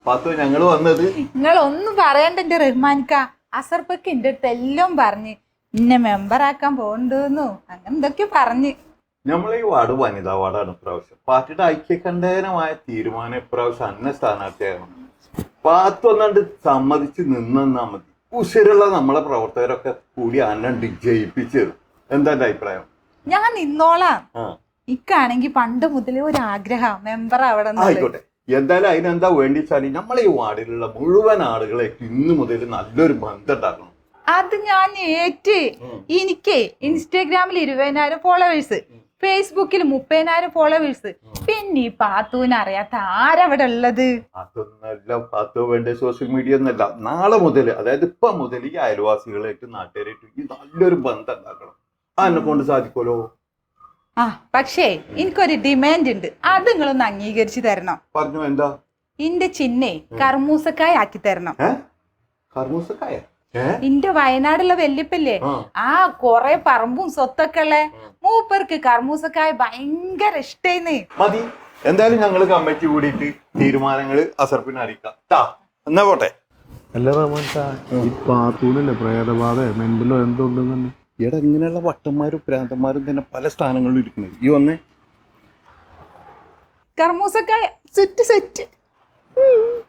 പാത്തു ഞങ്ങള് വന്നത് നിങ്ങൾ ഒന്നും പറയണ്ട എന്റെ റഹ്മാൻക്ക. അസർപ്പക്ക് എന്റെ അടുത്ത് എല്ലാം പറഞ്ഞ് ഇന്നെ മെമ്പറാക്കാൻ പോണ്ടെന്നു അങ്ങനെ എന്തൊക്കെ പറഞ്ഞ്. നമ്മളെ ഈ വാർഡ് വനിതാ വാർഡാണ് ഇപ്രാവശ്യം. പാർട്ടിയുടെ ഐക്യകണ്ഠേനമായ തീരുമാനം ഇപ്രാവശ്യം അന്ന സ്ഥാനാർത്ഥിയായിരുന്നു. പാത്തു ഒന്നാണ്ട് സമ്മതിച്ച് നിന്നാ മതി. ഉശിരുള്ള നമ്മളെ പ്രവർത്തകരൊക്കെ കൂടി അന്നണ്ട് ജയിപ്പിച്ചു തരും. എന്താ എന്റെ അഭിപ്രായം? ഞാൻ നിന്നോളാം. ഇക്കാണെങ്കിൽ പണ്ട് മുതലേ ഒരു ആഗ്രഹം മെമ്പർ അവിടെ. ആയിക്കോട്ടെ, എന്തായാലും അതിനെന്താ വേണ്ടിച്ചാല് നമ്മളെ ഈ വാർഡിലുള്ള മുഴുവൻ ആളുകളെ ഇന്ന് മുതൽ നല്ലൊരു ബന്ധം ഉണ്ടാക്കണം. അത് ഞാൻ ഏറ്റ്. എനിക്ക് ഇൻസ്റ്റാഗ്രാമിൽ 20,000 ഫോളോവേഴ്സ്, ഫേസ്ബുക്കിൽ 30,000 ഫോളോവേഴ്സ്. പിന്നെ ഈ പാത്തൂന് അറിയാത്ത ആരവിടെ ഉള്ളത്? അതൊന്നല്ല പാത്തു, വേണ്ട സോഷ്യൽ മീഡിയ ഒന്നല്ല. നാളെ മുതൽ, അതായത് ഇപ്പൊ മുതൽ ഈ അയൽവാസികളായിട്ട് നാട്ടുകാരായിട്ട് ഈ നല്ലൊരു ബന്ധം ഉണ്ടാക്കണം. അതിനെ കൊണ്ട് സാധിക്കുമല്ലോ. പക്ഷേ എനിക്കൊരു ഡിമാൻഡ് ഉണ്ട്. അത് നിങ്ങളൊന്ന് അംഗീകരിച്ചു തരണം. പറഞ്ഞു. എന്താ? ഇന്റെ ചിന്നെ കർമൂസക്കായ ആക്കി തരണം. കർമൂസക്കായ? ഇന്റെ വയനാടുള്ള വല്യപ്പല്ലേ, കൊറേ പറമ്പും സ്വത്തൊക്കെ ഉള്ള മൂപ്പർക്ക് കർമൂസക്കായ ഭയങ്കര ഇഷ്ടേന്ന്. മതി. എന്തായാലും ഞങ്ങള് കമ്മിറ്റി കൂടിയിട്ട് തീരുമാനങ്ങള് അസർപ്പിനെ അറിയിക്കാം. എന്നാ പോട്ടെ. അല്ല റഹ്മാൻ സാ, ഈ പാത്തൂനല്ലേ പ്രേതബാധ മെന്റലോ എന്തുണ്ടെന്ന്? ഇവിടെ ഇങ്ങനെയുള്ള വട്ടന്മാരും പ്രാന്തന്മാരും തന്നെ പല സ്ഥാനങ്ങളിലും ഇരിക്കുന്നത്. ഈ വന്നേ കർമൂസക്കായ സെറ്റ് സെറ്റ്.